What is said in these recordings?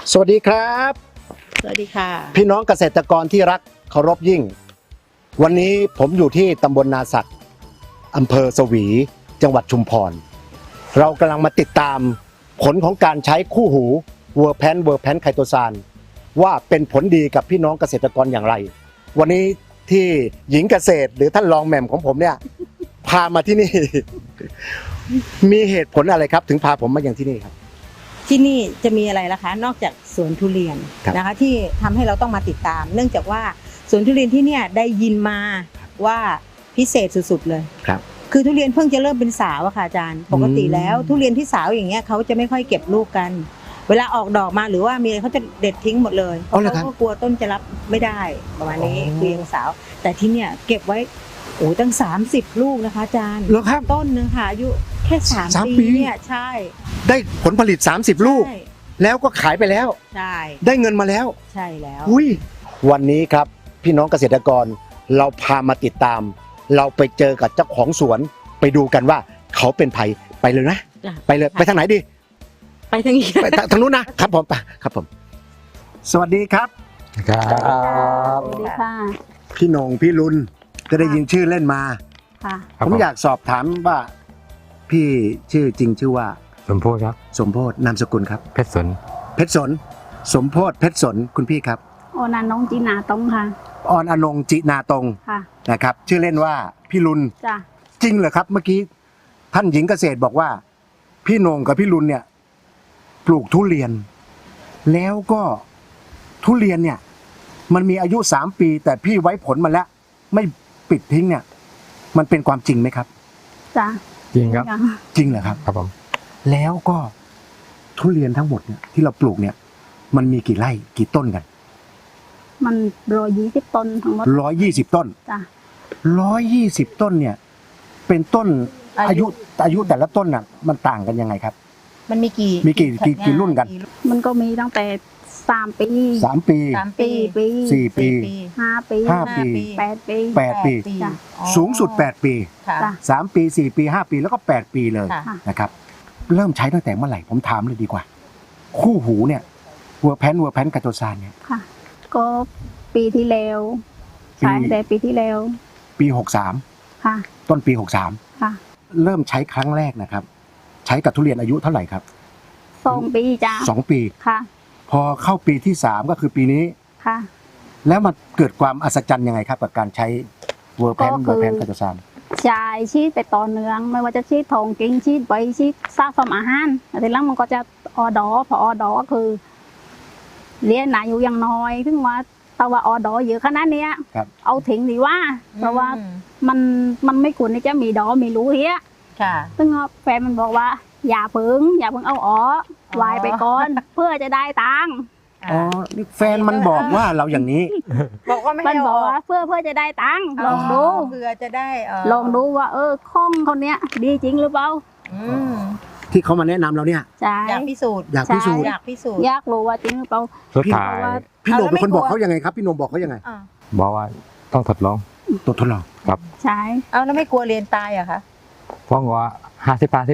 สวัสดีครับสวัสดีค่ะพี่น้องเกษตรกรที่รักเคารพยิ่งวันนี้ผมอยู่ที่ตำบลนาสักอำเภอสวีจังหวัดชุมพรเรากำลังมาติดตามผลของการใช้คู่หูเวอร์แพนไคโตซานว่าเป็นผลดีกับพี่น้องเกษตรกรอย่างไรวันนี้ที่หญิงเกษตรหรือท่านรองแหม่มของผมเนี่ยพามาที่นี่ มีเหตุผลอะไรครับถึงพาผมมาอย่างที่นี่ครับที่นี่จะมีอะไรล่ะคะนอกจากสวนทุเรียนนะคะที่ทำให้เราต้องมาติดตาม เนื่องจากว่าสวนทุเรียนที่เนี่ยได้ยินมาว่าพิเศษสุดๆเลยครับคือทุเรียนเพิ่งจะเริ่มเป็นสาวอะค่ะอาจารย์ปกติแล้วทุเรียนที่สาวอย่างเงี้ยเขาจะไม่ค่อยเก็บลูกกันเวลาออกดอกมาหรือว่ามีอะไรเขาจะเด็ดทิ้งหมดเลยเพราะเขาก็กลัวต้นจะรับไม่ได้ประมาณนี้คือยังสาวแต่ที่เนี่ยเก็บไว้โอ้ตั้ง30ลูกนะคะอาจารย์ต้นนึงค่ะอายุแค่3 ปีเนี่ยใช่ได้ผลผลิต30ลูกแล้วก็ขายไปแล้วใช่ได้เงินมาแล้วใช่แล้ววันนี้ครับพี่น้องเกษตรกรเราพามาติดตามเราไปเจอกับเจ้าของสวนไปดูกันว่าเขาเป็นไผไปเลยนะไปเลยไปทางไหนดีไปทางนี้ไปทางนู้นนะครับผมครับผมสวัสดีครับครับสวัสดีค่ะพี่นงพี่ลุนจะได้ยินชื่อเล่นมาค่ะผมอยากสอบถามว่าพี่ชื่อจริงชื่อว่าสมโพธิครับสมโพธินามสกุลครับเพชรสนสมโพธิเพชรสนคุณพี่ครับออนอนงจีนาตรงค่ะออนอนงจินาตรงนะครับชื่อเล่นว่าพี่ลุนจ้ะจริงเหรอครับเมื่อกี้ท่านหญิงเกษตรบอกว่าพี่นงกับพี่ลุนเนี่ยปลูกทุเรียนแล้วก็ทุเรียนเนี่ยมันมีอายุ3 ปีแต่พี่ไว้ผลมาแล้วไม่ปิดทิ้งเนี่ยมันเป็นความจริงไหมครับจ้ะจริงครับจริงเหรอครับครับผมแล้วก็ทุเรียนทั้งหมดเนี่ยที่เราปลูกเนี่ยมันมีกี่ไร่กี่ต้นกันมัน120 ต้นทั้งหมด 120 ต้นจ้ะ 120 ต้นเนี่ยเป็นต้นอายุแต่ละต้นน่ะมันต่างกันยังไงครับมันมีกี่รุ่นกันมันก็มีตั้งแต่3 ปี 3 ปี 4 ปี 4 ปี 5 ปี 5 ปี 8 ปีจ้ะสูงสุด8 ปีจ้ะ 3 ปี4 ปี5 ปีแล้วก็8 ปีเลยนะครับเริ่มใช้ตั้งแต่เมื่อไหร่ผมถามเลยดีกว่าคู่หูเนี่ยเวอร์แพนไคโตซานเนี่ยค่ะก็ปีที่แล้วใช้แต่ปีที่แล้วปี 63ค่ะต้นปี 63ค่ะเริ่มใช้ครั้งแรกนะครับใช้กับทุเรียนอายุเท่าไหร่ครับ 2 ปีจ้ะ 2 ปีค่ะพอเข้าปีที่3ก็คือปีนี้ค่ะแล้วมันเกิดความอัศจรรย์ยังไงครับกับการใช้เวอร์แพนไคโตซานใช้ชีดไปต่อเนื่องไม่ว่าจะชีดทองกิ้งชีดใบชีดซากสมอาหารแต่หลังมันก็จะออดอพอออดอก็คือเลี้ยงหนาอยู่อย่างน้อยถึงว่าแต่ว่าออดอเยอะขนาดนี้เอาทิ้งดีว่าเพราะว่ามันไม่ควรที่จะมีดอมีรูเฮียซึ่งแฟนมันบอกว่าอย่าเพิ่งเอาออกวายไปก่อนเพื่อจะได้ตังค์อ๋อแฟนมันบอกว่าเราอย่างนี้บอกว่าไม่มันบอกว่าเพื่อจะได้ตังค์ลองดูเพื่อจะได้ลองดูว่าข้องคนเนี้ยดีจริงหรือเปล่าที่เขามาแนะนำเราเนี่ยอยากพิสูจน์อยากรู้ว่าจริงหรือเปล่าพี่โหนงเป็นคนบอกเขายังไงครับพี่โหนงบอกเขายังไงบอกว่าต้องทดลองครับใช่แล้วไม่กลัวเรียนตายอะคะเพราะว่า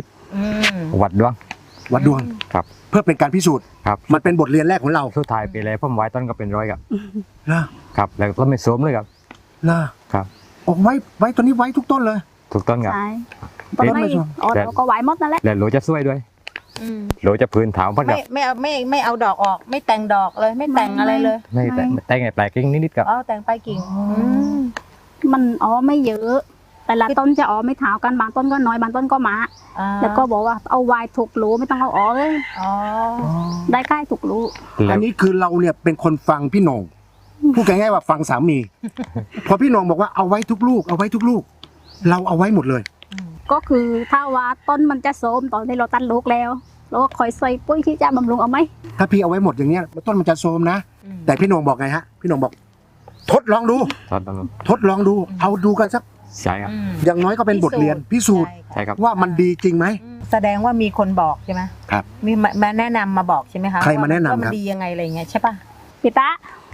50วัดดวงครับเพื่อเป็นการพิสูจน์ครับมันเป็นบทเรียนแรกของเราสุดท้ายไปเลยผมไว้ต้นก็เป็น100 ครับแล้วก็ไม่สวมเลยครับออกไว้ตัวนี้ไว้ทุกต้นเลยถูกต้นครับใช่ต้นไม่ก็ไว้หมดนั่นแหละแล้วโหลจะสวยด้วยโหลจะพื้นถามพัดไม่เอาดอกออกไม่แต่งดอกเลยไม่แต่งอะไรเลยไม่แต่งไงแปลกกิ่งนิดๆครับแต่งไปกิ่งมันไม่เยอะแต่ละต้นจะไม่เท่ากันบางต้นก็น้อยบางต้นก็มาแล้วก็บอกว่าเอาไว้ถูกรูไม่ต้องเอาออกเลยได้ใกล้ถูกรูอันนี้คือเราเนี่ยเป็นคนฟังพี่โหนงพูดง่ายๆว่าฟังสามีพอพี่โหนงบอกว่าเอาไว้ทุกลูกเราเอาไว้หมดเลยก็คือถ้าว่าต้นมันจะโทรมตอนที่เราตัดลูกแล้วเราก็คอยใส่ปุ๋ยที่จะบำรุงเอาไหมถ้าพี่เอาไว้หมดอย่างเงี้ยต้นมันจะโทรมนะแต่พี่โหนงบอกไงฮะพี่โหนงบอกทดลองดูเอาดูกันสักใช่ครับอย่างน้อยก็เป็นบทเรียนพิสูจน์ว่ามันดีจริงไหมแสดงว่ามีคนบอกใช่ไหมครับมีมาแนะนำมาบอกใช่ไหมคะใครมาแนะนำครับว่ามันดียังไงอะไรเงี้ยใช่ป่ะพี่ตา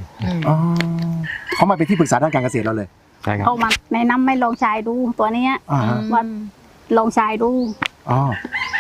เขามาเป็นที่ปรึกษาด้านการเกษตรเราเลยใช่ครับเขามาแนะนำไม่ลองใช้ดูตัวนี้ว่าลองใช้ดู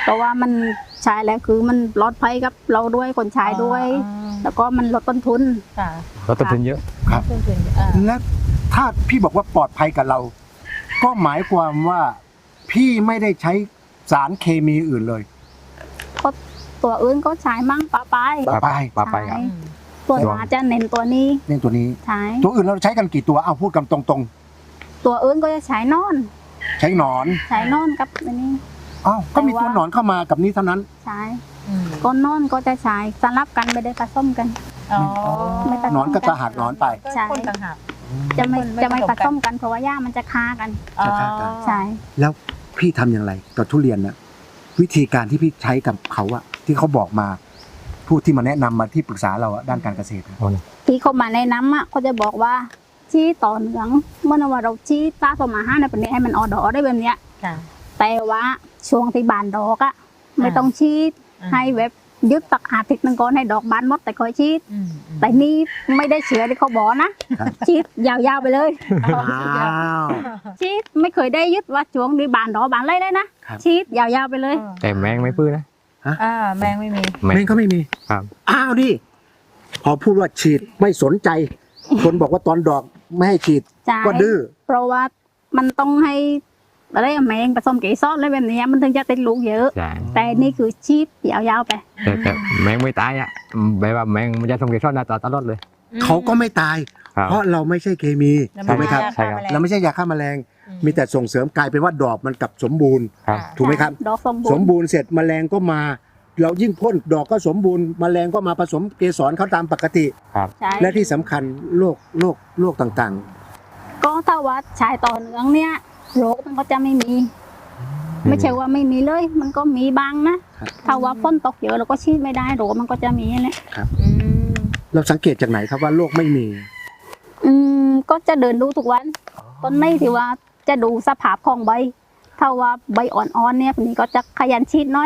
เพราะว่ามันใช้แล้วคือมันปลอดภัยกับเราด้วยคนใช้ด้วย แล้วก็มันลดต้นทุนค่ะลดต้นทุนเยอะต้นทุนและถ้าพี่บอกว่าปลอดภัยกับเรา ก็หมายความว่าพี่ไม่ได้ใช้สารเคมีอื่นเลยก็ตัวอื่นก็ใช้มั่งปะปายปะปายปลาไปครับใช่ตัวอาจจะเน้นตัวนี้นี่ตัวนี้ใช้ตัวอื่นเราใช้กันกี่ตัวเอาพูดกันตรงตัวอื่นก็จะใช้นอนๆ ใช้หนอนใช้นอนกับอันนี้อ้าวก็มีตัวหนอนเข้ามากับนี้เท่านั้นใช้ก้นนอนก็จะใช้สลับกันไม่ได้ผสมกันอ๋อไม่ผสมหนอนก็จะหักหนอนไปใช่คนต่างหากจะไม่ไม่จะไม่ผผสสมมกักัน นเพราะว่าหญ้ามันจะฆ่ากันอ๋อจะฆ่ากันใช่แล้วพี่ทำอย่างไรกับทุเรียนน่ะวิธีการที่พี่ใช้กับเขาอะที่เขาบอกมาผู้ที่มาแนะนำมาที่ปรึกษาเราอะด้านการเกษตรอะที่เขามาแนะนำอ่ะเขาจะบอกว่าชี้ต่อเหนืองเมื่อว่าเราชี้ตาสมาห้าในปันนี้ให้มันออดอได้แบบเนี้ยค่ะแต่ว่าช่วงที่บานดอกอ่ะไม่ต้องชี้ให้แบบยึดตักอาทิตย์นึงก่อนให้ดอกบานหมดแต่คอยชี้แต่นี่ไม่ได้เชื้อที่เขาบอกนะชี้ยาวๆไปเลยอ้าวชี้ไม่เคยได้ยึดว่าช่วงนี้บานดอกบานไรเลยนะครับ ชี้ยาวๆไปเลยแต่แมงไม่พื้นนะแมงไม่มีแมแม่งงก็ไม่มีครับอ้าวดิพอพูดว่าฉีดไม่สนใจ คนบอกว่าตอนดอกไม่ให้ฉีดใช่ก็ดื้อเพราะว่ามันต้องให้อะไรอะแมงผสมเกสรอะไรแบบเนี้ยมันถึงจะติดลูกเยอะใช่แต่นี่คือชีพยาวๆไปแต่แมงไม่ตายอ่ะแบบว่าแมงมันจะทำเกสรหน้าตลอดเลยเขาก็ไม่ตายครับเพราะเราไม่ใช่เคมีถูกไหมครับใช่ครับเราไม่ใช่ยาฆ่าแมลง มีแต่ส่งเสริมกลายเป็นว่าดอกมันกลับสมบูรณ์ครับถูกไหมครับดอกสมบูสรมณ์บูรณ์เสร็จแมลงก็มา เรายิ่งพ่นดอกก็สมบูรณ์แมลงก็มาผสมเกสรเขาตามปกติใช่และที่สำคัญโรคต่างก็ถ้าว่าชายต่อเนื่องเนี่ยโรคมันก็จะไม่มี ไม่ใช่ว่าไม่มีเลย มันก็มีบ้างนะครับ ถ้าว่าฝนตกเยอะเราก็ชีดไม่ได้โรคมันก็จะมีแหละๆ เราสังเกตจากไหนครับว่าโรคไม่มีก็จะเดินดูทุกวันต้นไม้ที่ว่าจะดูสภาพของใบ ถ้าว่าใบอ่อนๆเนี่ยนี่ก็จะขยันชีดหน้อย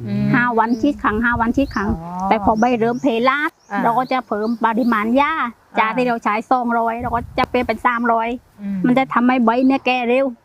5 วันชีดครั้ง5 วันชีดครั้ง แต่พอใบเริ่มเพลาด เราก็จะเพิ่มปริมาณหญ้าจากที่เราใช้200เราก็จะเปลี่ยนเป็น300มันจะทำให้ใบเนี่ยแก่เร็ว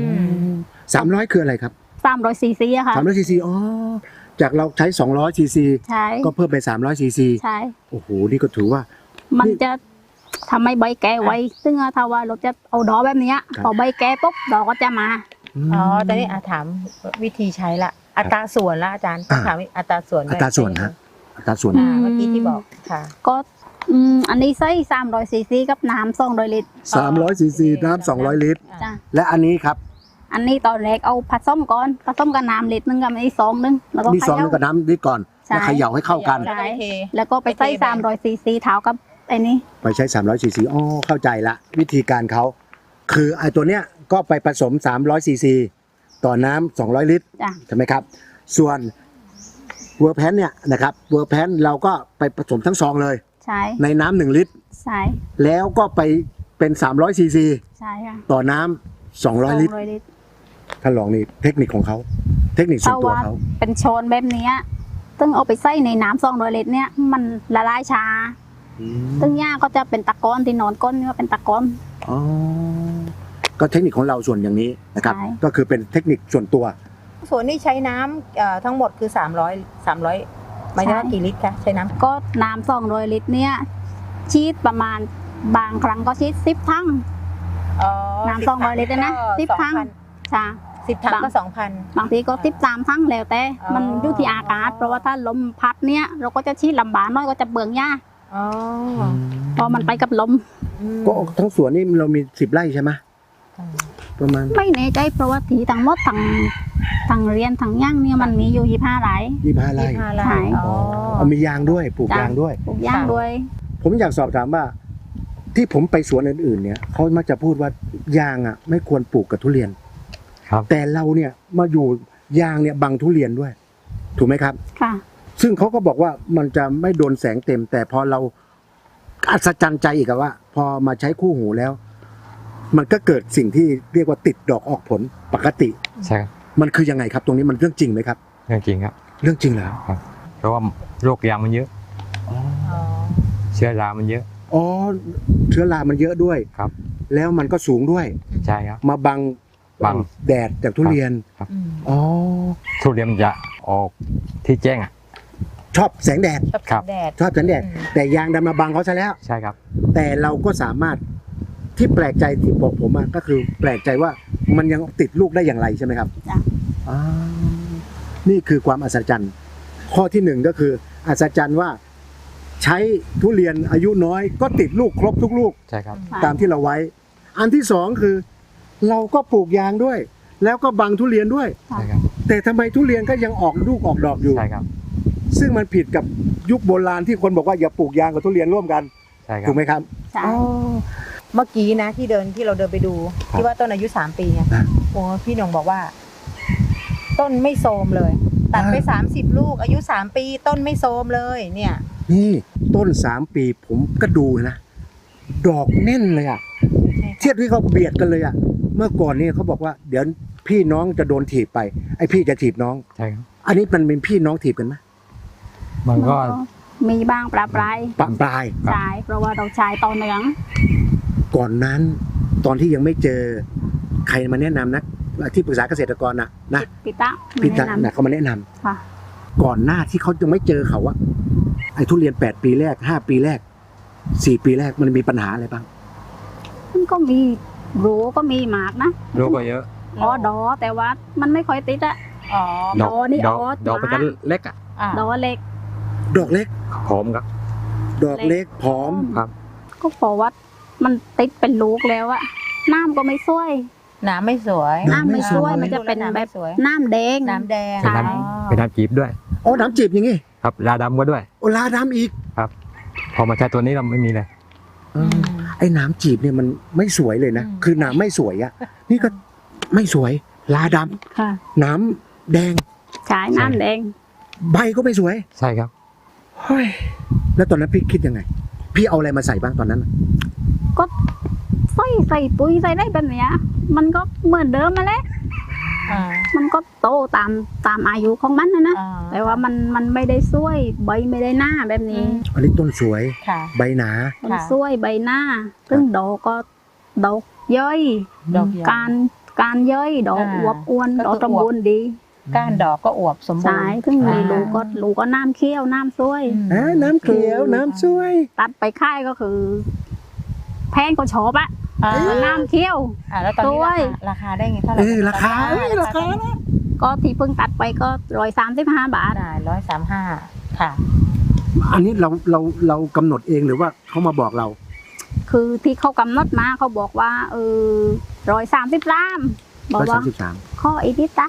300 คืออะไรครับ 300 ซีซีอะค่ะ 300 ซีซีอ๋อจากเราใช้ 200 ซีซีใช่ก็เพิ่มเป็น300 ซีซีใช่โอ้โหนี่ก็ถือว่ามันจะทำให้ใบแก่ไวซึ่งถ้าว่าเราจะเอาดอกแบบเนี้ยครับพอใบแก่ปุ๊บดอกก็จะมาอ๋อตอนนี้ถามวิธีใช้ละอัตราส่วนละอาจารย์ต้องถามอัตราส่วนอัตราส่วนฮะอัตราส่วนเมื่อกี้ที่บอกค่ะก็อันนี้ใส่300 ซีซีกับน้ำ200 ลิตร 300 ซีซีน้ำ200 ลิตรจ้ะและอันนี้ครับอันนี้ตอนแรกเอาผสมก่อนผสมกับน้ำลิตรนึงกับอันนี้2 นึงแล้วก็มี2นึงกับน้ำนิดก่อนใช่แล้วเขย่าให้เข้ากันแล้วก็เทแล้วก็ไปใส่300 ซีซีเท้ากับไอ้นี้ไปใช้300 ซีซีอ๋อเข้าใจละวิธีการเขาคือไอ้ตัวเนี้ยก็ไปผสม300 ซีซีต่อน้ำ200 ลิตรจ้ะใช่ไหมครับ ส่วนเวอร์แพนเนี่ยนะครับเวอร์แพนเราก็ไปผสมทั้งซองเลยใช่ในน้ำ1 ลิตรใช่แล้วก็ไปเป็น300 ซีซีใช่ค่ะต่อน้ำ200 ลิตร 200 ลิตรท่านลองนี่เทคนิคของเขาเทคนิคส่วนตัวเขาเป็นโชนแบบเนี้ยซึ่งเอาไปใส่ในน้ำ200 ลิตรเนี่ยมันละลายช้า ซึ่งหญ้าก็จะเป็นตะกอนที่นอนก้นก็เป็นตะกอนอ๋อก็เทคนิคของเราส่วนอย่างนี้นะครับใช่ก็คือเป็นเทคนิคส่วนตัวส่วนนี้ใช้น้ำทั้งหมดคือ300หมายถึงว่ากี่ลิตรคะใช้น้ำก็น้ำ200 ลิตรเนี่ยชีดประมาณบางครั้งก็ชีด10 ทั้ง น้ำ200 ลิตรนะ10 ทั้งจ้ะ 10 ถังก็2,000 บางทีก็13 ทั้งแล้วแต่อ๋อมันอยู่ที่อากาศ เพราะว่าถ้าลมพัดเนี่ยเราก็จะชีดลำบากน้อยก็จะเบื่องหญ้าอ๋อเพราะมันไปกับลมก็ทั้งสวนนี่เรามี10 ไร่ใช่ไหมประมาณไม่แน่ใจเพราะว่าทีทั้งหมดทั้งเรียนทั้งย่างเนี่ยมันมีอยู่25 ไร่ 25 ไร่ 25 ไร่ใช่อ๋อเอามียางด้วยปลูกจ้ะยางด้วยปลูกย่างด้วยผมอยากสอบถามว่า ที่ผมไปสวนอื่นๆเนี่ยเขามักจะพูดว่ายางอ่ะไม่ควรปลูกกับทุเรียนครับแต่เราเนี่ยมาอยู่ยางเนี่ยบังทุเรียนด้วย ถูกไหมครับค่ะซึ่งเขาก็บอกว่ามันจะไม่โดนแสงเต็ม แต่พอเราอัศจรรย์ใจอีกอะว่า พอมาใช้คู่หูแล้ว มันก็เกิดสิ่งที่เรียกว่าติดดอกออกผลปกติใช่ครับมันคือยังไงครับ ตรงนี้มันเรื่องจริงไหมครับเรื่องจริงครับเรื่องจริงแล้วเพราะว่าโรคยางมันเยอะอ๋อเชื้อรามันเยอะอ๋อเชื้อรามันเยอะด้วยครับแล้วมันก็สูงด้วยใช่ครับมาบังบังแดดจากทุเรียนอืมอ๋อทุเรียนมันจะออกที่แจ้งอ่ะชอบแสงแดดชอบครับแดดชอบแสงแดด แต่ยางดำมาบังเขาซะแล้วใช่ครับแต่เราก็สามารถที่แปลกใจที่บอกผมอะก็คือแปลกใจว่ามันยังติดลูกได้อย่างไรใช่ไหมครับจ้ะอ่านี่คือความอัศจรรย์ข้อที่หนึ่งก็คืออัศจรรย์ว่า ใช้ทุเรียนอายุน้อยก็ติดลูกครบทุกลูกใช่ครับตามที่เราไว้ อันที่สองคือ เราก็ปลูกยางด้วย แล้วก็บังทุเรียนด้วยใช่ครับแต่ทำไมทุเรียนก็ยังออกลูกออกดอกอยู่ใช่ครับซึ่งมันผิดกับยุคโบราณที่คนบอกว่าอย่าปลูกยางกับทุเรียนร่วมกันใช่ครัถูบกไหมครับใช่เมื่อกี้นะที่เราเดินไปดูครับที่ว่าต้นอายุ3 ปีไงอ่ะโอ้พี่หนงบอกว่า ต้นไม่โทรมเลย ตัดไปอ่า 30 ลูก อายุ3 ปีต้นไม่โทรมเลย เนี่ยนี่ต้น3 ปีผมก็ดูนะ ดอกแน่นเลยอะเทียบที่เขาเบียดกันเลยอะเมื่อก่อนนี่เขาบอกว่าเดี๋ยวพี่น้องจะโดนถีบไปไอพี่จะถีบน้องใช่ครับอันนี้มันเป็นพี่น้องถีบกันไหมมันก็มีบ้างประปรายปะปลายครับใช่เพราะว่าเราใช้ต่อเนื่องก่อนนั้น ตอนที่ยังไม่เจอใครมาแนะนำนะที่ปรึกษาเกษตรกรนะปิตะพี่ตาแนะนนะเขามาแนะนำำค่ะก่อนหน้าที่เขายังไม่เจอเขาอะไอ้ทุเรียน8 ปีแรก5 ปีแรก4 ปีแรกมันมีปัญหาอะไรบ้างมันก็มีรู้ก็มีหมากนะลูกก็เยอะอ๋อดอแต่ว่ามันไม่ค่อยติดอะอ๋อดอกดอกนี่ดอกอ๋อดอกมันจะเล็กอ่ะอ่ะดอเล็กดอกเล็กหอมครับดอกเล็กผอมครับก็เพราะว่ามันติดเป็นลูกแล้วอะน้ำก็ไม่สวยน้ำไม่สวยน้ำไม่สวยมันจะเป็นำแบไม่บสวยน้ำแดงน้ำแดงใช่เป็นน้อ๋อเป็นน้ำจีบด้วยอ๋อน้ำจีบอย่างงี้ครับลาดำก็ด้วยโอลาดำอีกพอมาใช้ตัวนี้เราไม่มีเลยอืมไอ้น้ำจีบเนี่ยมันไม่สวยเลยนะอืมคือน้ำไม่สวยอะนี่ก็ไม่สวยลาดค่ะำน้ำแดงใช้น้ำแดงใบก็ไม่สวยใช่ครับเฮ้ยแล้วตอนนั้นพี่คิดยังไง พี่เอาอะไรมาใส่บ้างตอนนั้นก็ใส่ปุ๋ยใส่ได้แบบเนี้ยมันก็เหมือนเดิมมาแหล้วอ่ามันก็โตตามอายุของมันนะอ่าแต่ว่ามันไม่ได้สวยใบไม่ได้หน้าแบบนี้อันนี้ต้นสวยค่ะใบหนามันสวยใบหน้า ซึ่งดอกก็ดอกย่อยดอกใหญ่การย่อยดอกอ่าอวบอ้วนก็ดอกคือสมบูรณ์ดีก้านดอกก็อวบสมบูรใช่ณ์ซึ่งมีอ่าลูกก็น้ำเคี้ยวน้ำสวยน้ำเขียวน้ำสวยตัดไปค่ายก็คือ แพงก็ชอบอะอ่าน้ำเคี้ยวแล้วตอนนี้ด้วยราคาได้ไงเท่าไหร่ราคาราคานะก็ที่เพิ่งตัดไปก็135 บาทได้135ค่ะอันนี้เรากำหนดเองหรือว่าเขามาบอกเราคือที่เขากำหนดมาเขาบอกว่า133บอกว่า 133 ข้ออีกนิดจ้ะ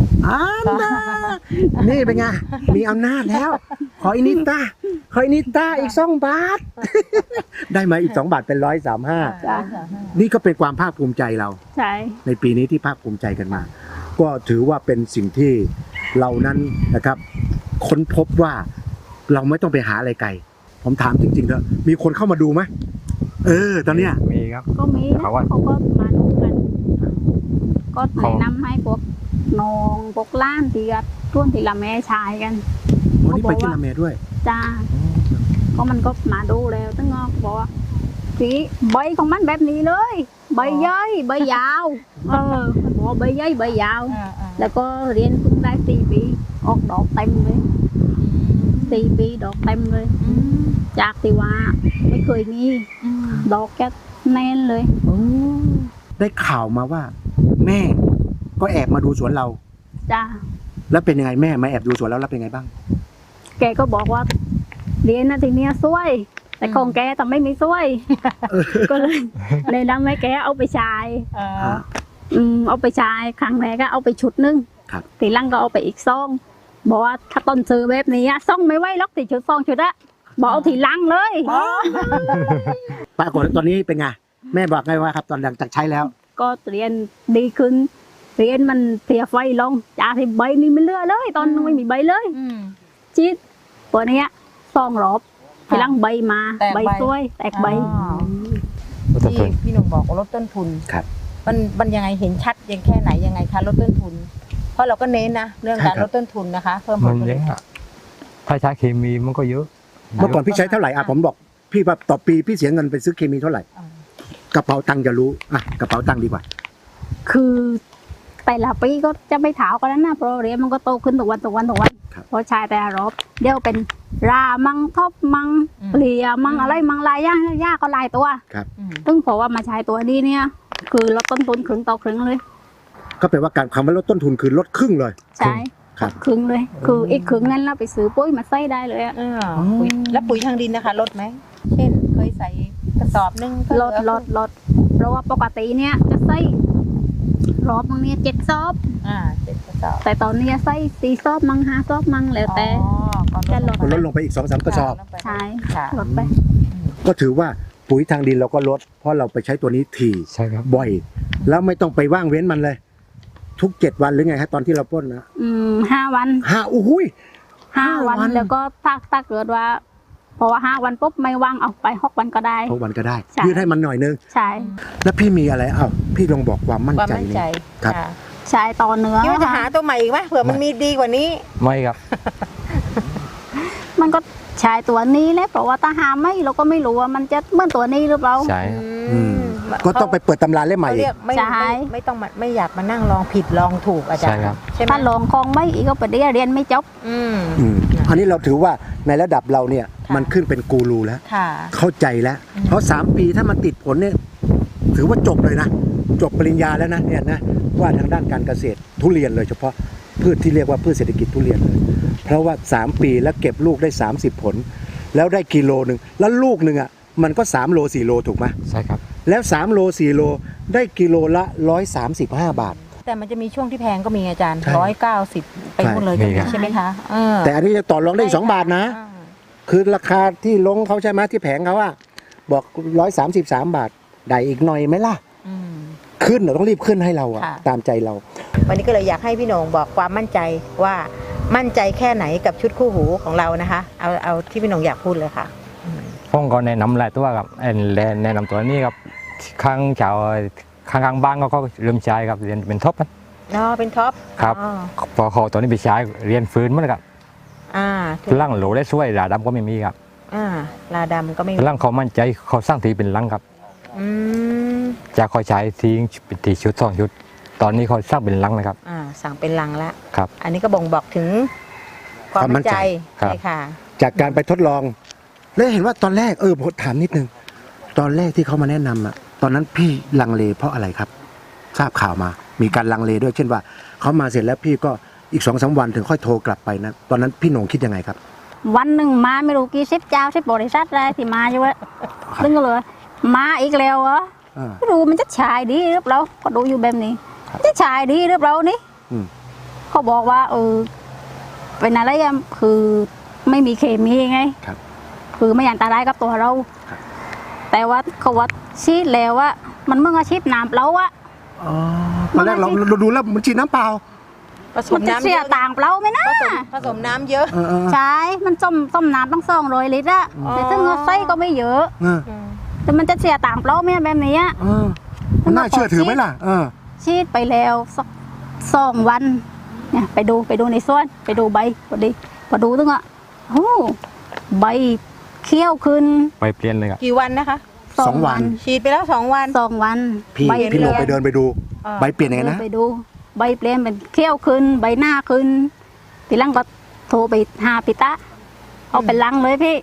นี่เป็นไง มีอำนาจแล้ว ขออินิต้าขออินิต้าอีก2 บาท ได้มาอีก2 บาทเป็น135นี่ก็เป็นความภาคภูมิใจเราใช่ในปีนี้ที่ภาคภูมิใจกันมา ก็ถือว่าเป็นสิ่งที่เรานั้นนะครับ ค้นพบว่าเราไม่ต้องไปหาอะไรไกล ผมถามจริงๆเถอะมีคนเข้ามาดูไหมตอนเนี้ยมีครับก็มีนะเขาว่าเขาก็มาดูกัน ก็แนะนำให้พวกน้องพวกล้านที่กับร่วมที่ละแม่ชายกันวันนี้ไปที่ละเมด้วยจ้าก็มันก็มาดูแล้วตั้งงอกบอกว่าสีใบของมันแบบนี้เลย ใบย่อยใบยาวมันบอกว่าใบย่อยใบยาว แล้วก็เรียนเพิ่งได้4 ปีออกดอกเต็มเลย4 ปีดอกเต็มเลย จากที่ว่าไม่เคยมีดอกแค่แน่นเลยได้ข่าวมาว่า แม่ก็แอบมาดูสวนเราจ้าแล้วเป็นยังไงแม่มาแอบดูสวนเราแล้วเป็นไงบ้างแกก็บอกว่าเรียนนะทีเนี้ยสวย แต่ของแกแต่ไม่มีสวย ก็เลยนำให้แกเอาไปใช้เอาไปใช้ครั้งแรกก็เอาไปชุดนึงครับทีหลังก็เอาไปอีกซองบอกว่าถ้าต้นซื้อแบบนี้ซองไม่ไหวล็อกติชุดซองชุดอะบอกเอาทีหลังเลยปรากฏว่าตอนนี้เป็นไงแม่บอกไงว่าครับตอนหลังจากใช้แล้วก็เรียนดีขึ้นเรียนมันเสียไฟลงจากที่ใบนี่ไม่เหลือเลย ตอนไม่มีใบเลยชีดตัวเนี้ยซองรอบทีหลังใบมาแตกใบใบสวยแตกใบที่พี่หนุ่มบอกว่าลดต้นทุนครับมันยังไงเห็นชัดยังแค่ไหนยังไงคะลดต้นทุน เพราะเราก็เน้นนะเรื่องการใช่ครับลดต้นทุนนะคะ เพิ่มผมัลนผเยลิตอะถ้าใช้เคมีมันก็เยอะเมื่อก่อนพี่ใช้เท่าไหร่ผมบอกพี่ว่าต่อปีพี่เสียเงินไปซื้อเคมีเท่าไหร่ กระเป๋าตังค์จะรู้กระเป๋าตังค์ดีกว่าคือแต่ละปีก็จะไม่ถาวกันนั้นนะเพราะเรียนมันก็โตขึ้นทุกวันเพราะใช้แต่ละรอบเดี๋ยวเป็นรามังทบมังเปลี่ยมังอะไรมังลายย่าก็ลายตัวครับซึ่งเพราะว่ามาใช้ตัวนี้เนี่ยคือลดต้นทุนครึ่งต่อครึ่งเลยก็แปลว่าการคำว่าลดต้นทุนคือลดครึ่งเลยใช่ครับครึ่งเลย คืออีกครึ่งนั้นเราไปซื้อปุ๋ยมาใส่ได้เลยอะปุ๋ยแล้วปุ๋ยทางดินนะคะลดไหมเช่นเคยใส่กระสอบนึงก็เหลอดเพราะว่าปกติเนี่ยจะใส่รอบมึงเนี่ย7 ซอบ 7 กระสอบแต่ตอนนี้ใส่4 ซอบมัง5 ซอบมังแล้วแต่ก็ลดก็ลดลงไปอีก 2-3 กระสอบใช่ค่ะลดไปก็ถือว่าปุ๋ยทางดินเราก็ลด เพราะเราไปใช้ตัวนี้ถี่ใช่ครับบ่อย แล้วไม่ต้องไปว่างเว้นมันเลย ทุก7 วันหรือไงฮะตอนที่เราพ่นนะ 5 วันโอ้โหย 5 วันแล้วก็ถ้าเกิดว่าเพราะว่า5 วันปุ๊บไม่ว่างเอาไป6 วันก็ได้ 6 วันก็ได้ใช่ยืดให้มันหน่อยนึงใช่แล้วพี่มีอะไรพี่ลองบอกความมั่นความใจมั่นนี่ใจครับค่ะใช้ต่อเนื้อคิดว่าจะหาตัวใหม่อีกไหมเผื่อมันมีดีกว่านี้ไม่ครับมันก็ใช้ตัวนี้แหละเพราะว่าถ้าหาไม่เราก็ไม่รู้ว่ามันจะเหมือนตัวนี้หรือเปล่าใช่ครับก็ต้องไปเปิดตำราเล่มใหม่เขาอีเรีกยกไม่ใช่ไม่ต้องมาไม่อยากมานั่งลองผิดลองถูกอาจารใช่ย์ครับใช่ไหมถ้าลองคองไม่อีกก็ไปเรียนไม่จบอืมอันนี้เราถือว่าในระดับเราเนี่ยมันขึ้นเป็นกูรูแล้วค่ะเข้าใจแล้ว เพราะ3 ปีถ้ามันติดผลเนี่ยถือว่าจบเลยนะ จบปริญญาแล้วนะเนี่ยนะว่าทางด้านการเกษตรทุเรียนเลยเฉพาะพืชที่เรียกว่าพืชเศรษฐกิจทุเรียนเลย เพราะว่า3 ปีแล้วเก็บลูกได้30 ผล แล้วได้กิโลหนึ่งแล้วลูกหนึ่งอ่ะมันก็3 โล 4 โลถูกไหมใช่ครับแล้ว3 โล 4 โลได้กิโลละ135 บาทแต่มันจะมีช่วงที่แพงก็มีอาจารย์ใช่ 190ไปหมดเลยมีครับใช่ไหมคะเแต่อันนี้จะต่อรองได้อีก2 บาทนะอ่าคือราคาที่ลงเขาใช่ไหมที่แผงเขาอะบอก133 บาทได้อีกหน่อยไหมล่ะอืมขึ้นเราต้องรีบขึ้นให้เราอะค่ะตามใจเราวันนี้ก็เลยอยากให้พี่โหน่งบอกความมั่นใจว่ามั่นใจแค่ไหนกับชุดคู่หูของเรานะคะ เอาที่พี่โหน่งอยากพูดเลยค่ะผมก็แนะนำหลายตัวครับแนะนำตัวนี้ครับข้างชาวข้างบ้านก็เริ่มใช้ครับเรียนเป็นท็อปนะเป็นท็อปครับอ๋อพอเขาตัวนี้ไปใช้เรียนฟื้นหมั้ครับถูกร่างโหลได้ช่วยดาดำก็ไม่มีครับลาดำก็ไม่มีร่างเขามั่นใจเขาสร้างทีเป็นลังครับอืมจากเขาใช้ทิ้งเป็นทีชุด2 ชุด ตอนนี้เขาสร้างเป็นลังนะครับสั่งเป็นลังแล้วครับอันนี้ก็บ่งบอกถึงความมั่นใจครับใช่ค่ะจากการไปทดลอง แล้วเห็นว่าตอนแรกผมถามนิดนึง ตอนแรกที่เขามาแนะนำอะตอนนั้นพี่ลังเลเพราะอะไรครับ ทราบข่าวมา มีการลังเลด้วยเช่นว่าเขามาเสร็จแล้วพี่ก็อีก2-3 วันถึงค่อยโทรกลับไปนะตอนนั้นพี่โหน่งคิดยังไงครับวันหนึ่งมาไม่รู้กี่10 เจ้า10 บริษัทได้ที่มาอยู่อะซึ่งก็เลยมาอีกแล้วเหรออ่าไม่รู้มันจะฉายดีหรือเปล่าก็ดูอยู่แบบนี้ครับจะฉายดีหรือเปล่านี่อืมเขาบอกว่าเป็นอะไรอะคือไม่มีเคมีไงครับคือไม่อันตรายกับตัวเราครับแต่ว่าเขาว่าชีดแล้วว่ามันเมื่ออาชีพน้ำเราอะตอนแรกเราดูแล้วมันฉีดน้ำเปล่าผสมัมนจะน้ำเสีเยยอะต่างเปล่าไหมนะผสมน้ำเยอะใช่มันต้มน้ำต้อง200 ลิตรอะอ๋อแต่ซึ่งเราใส่ก็ไม่เยอะ แต่มันจะเสียต่างเปล่าไหมแบบนี้อะมันน่าเชื่อถือไหมล่ะชีดไปแล้วสัก2 วันเนี่ยไปดูในสวนไปดูใบพอดูตึงอ่ะโอ้ใบเขี้ยวขึ้นไปเปลี่ยนเลยครับกี่วันนะคะ 2 วันฉีดไปแล้ว2 วัน 2 วันพี่ใบพี่โหน่งไปเปลี่ยนเดินไปดูอ่าใบเปลี่ยนยังไงนะไปดูใบเปลี่ยนเป็นเขี้ยวขึ้น ใบหน้าขึ้นทีหลังก็โทรไปหาปิตะเอาไปลังเลยพี่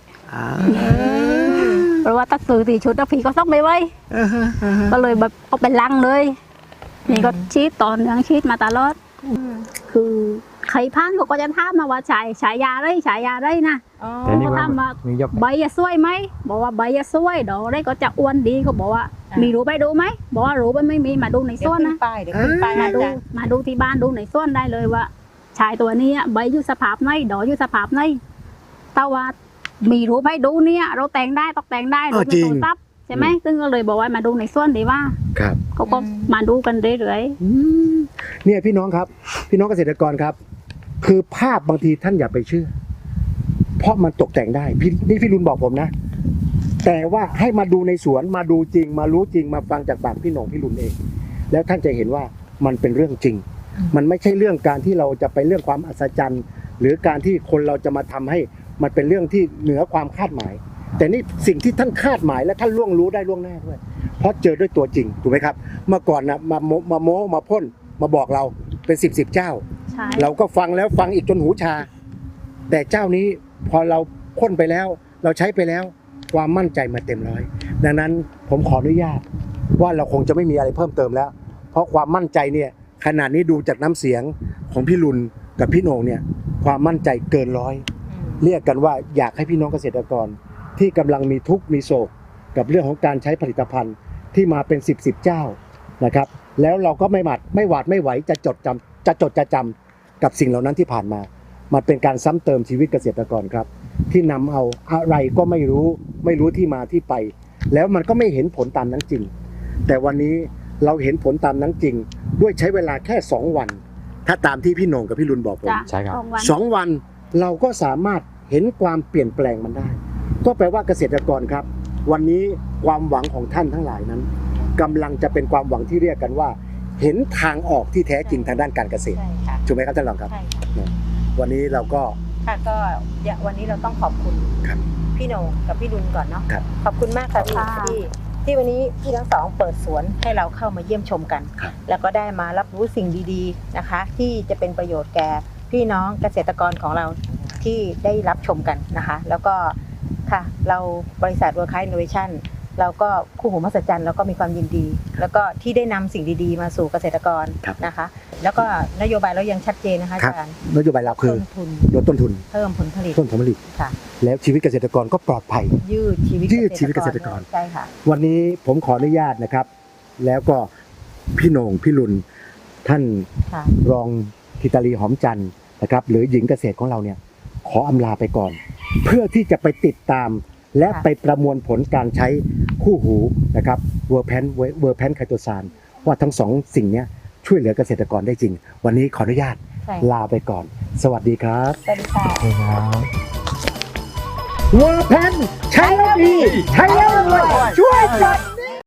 เพราะว่าตัดสื่อ4 ชุดแล้วพี่ก็ต้องไปไว้ก็เลยแบบเอาไปลังเลยนี่ก็ชีดต่อเนื่องชีดมาตลอดคือใครพันเขาก็จะถามมาว่าฉายาไรนะแต่นี่เขาถามว่ามียกใบจะสวยไหมบอกว่าใบจะสวยดอกได้ก็จะอ้วนดีเขาบอกว่า มีรู้ไปดูไหมบอกว่ารู้ไปไม่มีมาดูในเดี๋สยววนขึ้นนะป้ายเดี๋ยวขึ้นป้ายมาอาดูจารย์มาดูที่บ้านดูในสวนได้เลยว่าชายตัวนี้ใบอยู่สภาพไหนดอกอยู่สภาพไหนแต่ว่ามีรู้ไปดูเนี่ยเราแต่งได้ตกแต่งได้เออจริงโทศัพท์ใช่ไหมซึ่งก็เลยบอกว่ามาดูในสวนดีว่าครับเขาก็มาดูกันเรื่อยเนี่ยพี่น้องครับ พี่น้องเกษตรกรครับ คือภาพบางทีท่านอย่าไปเชื่อ เพราะมันตกแต่งได้นี่พี่รุนบอกผมนะ แต่ว่าให้มาดูในสวนมาดูจริง มารู้จริงมาฟังจากปากพี่หน่งพี่รุนเอง แล้วท่านจะเห็นว่ามันเป็นเรื่องจริง มันไม่ใช่เรื่องการที่เราจะไปเรื่องความอัศจรรย์ หรือการที่คนเราจะมาทำให้มันเป็นเรื่องที่เหนือความคาดหมาย แต่นี่สิ่งที่ท่านคาดหมายและท่านล่วงรู้ได้ล่วงหน้าด้วย เพราะเจอด้วยตัวจริงถูกไหมครับเมื่อก่อนนะมาโม้มาพ่นมาบอกเราเป็น10เจ้าใช่เราก็ฟังแล้วฟังอีกจนหูชา แต่เจ้านี้พอเราพ่นไปแล้ว เราใช้ไปแล้วความมั่นใจมาเต็มร้อยดังนั้นผมขออนุญาตว่าเราคงจะไม่มีอะไรเพิ่มเติมแล้ว เพราะความมั่นใจเนี่ยขนาดนี้ดูจากน้ำเสียงของพี่ลุนกับพี่โหน่งเนี่ยความมั่นใจเกินร้อยเรียกกันว่าอยากให้พี่น้องเกษตรกรที่กำลังมีทุกข์มีโศกกับเรื่องของการใช้ผลิตภัณฑ์ที่มาเป็น10เจ้านะครับแล้วเราก็ไม่หวาดไม่ไหวจะจดจะจำกับสิ่งเหล่านั้นที่ผ่านมามันเป็นการซ้ำเติมชีวิตเกษตรกรครับที่นำเอาอะไรก็ไม่รู้ที่มาที่ไป แล้วมันก็ไม่เห็นผลตามนั้นจริง แต่วันนี้เราเห็นผลตามนั้นจริง ด้วยใช้เวลาแค่2วันถ้าตามที่พี่โหน่งกับพี่ลุนบอกผมจ้ะใช่ครับ 2 วัน 2 วันเราก็สามารถเห็นความเปลี่ยนแปลงมันได้ ก็แปลว่าเกษตรกรครับ วันนี้ความหวังของท่านทั้งหลายนั้นกำลังจะเป็นความหวังที่เรียกกันว่า เห็นทางออกที่แท้จริงทางด้านการเกษตรใช่ค่ะถูกไหมครับท่านรองครับใช่ค่ะวันนี้เราก็ค่ะก็วันนี้เราต้องขอบคุณครับพี่โหน่งกับพี่ดุลก่อนเนาะครับขอบคุณมากค่ะพี่ค่ะที่วันนี้พี่ทั้งสองเปิดสวนให้เราเข้ามาเยี่ยมชมกันครับแล้วก็ได้มารับรู้สิ่งดีๆนะคะ ที่จะเป็นประโยชน์แก่พี่น้องเกษตรกรของเราที่ได้รับชมกันนะคะ แล้วก็ค่ะเราบริษัท World Class Innovation เราก็คู่หูมหัศจรรย์เราก็มีความยินดี แล้วก็ที่ได้นำสิ่งดีๆ มาสู่เกษตรกรครับนะคะ แล้วก็นโยบายเรายังชัดเจนนะคะครับอาจารย์นโยบายเราคือต้นทุนลดต้นทุนเพิ่มผลผลิตเพิ่มผลผลิตค่ะแล้วชีวิตเกษตรกรก็ปลอดภัยยืดชีวิตยืดชีวิตเกษตรกรใช่ค่ะวันนี้ผมขออนุญาตนะครับ แล้วก็พี่โหน่งพี่ลุนท่านค่ะรองธิตาลีหอมจันทร์นะครับหรือหญิงเกษตรของเราเนี่ยขออำลาไปก่อน เพื่อที่จะไปติดตาม และค่ะไปประมวลผลการใช้คู่หูนะครับเวอร์แพนไคโตซานว่าทั้งสองสิ่งเนี้ยช่วยเหลือเกษตรกรได้จริง วันนี้ขออนุญาตใช่ลาไปก่อน สวัสดีครับสวัสดีค่ะเวอร์แพนใช้แล้วดี ใช้แล้วรวยช่วยกัน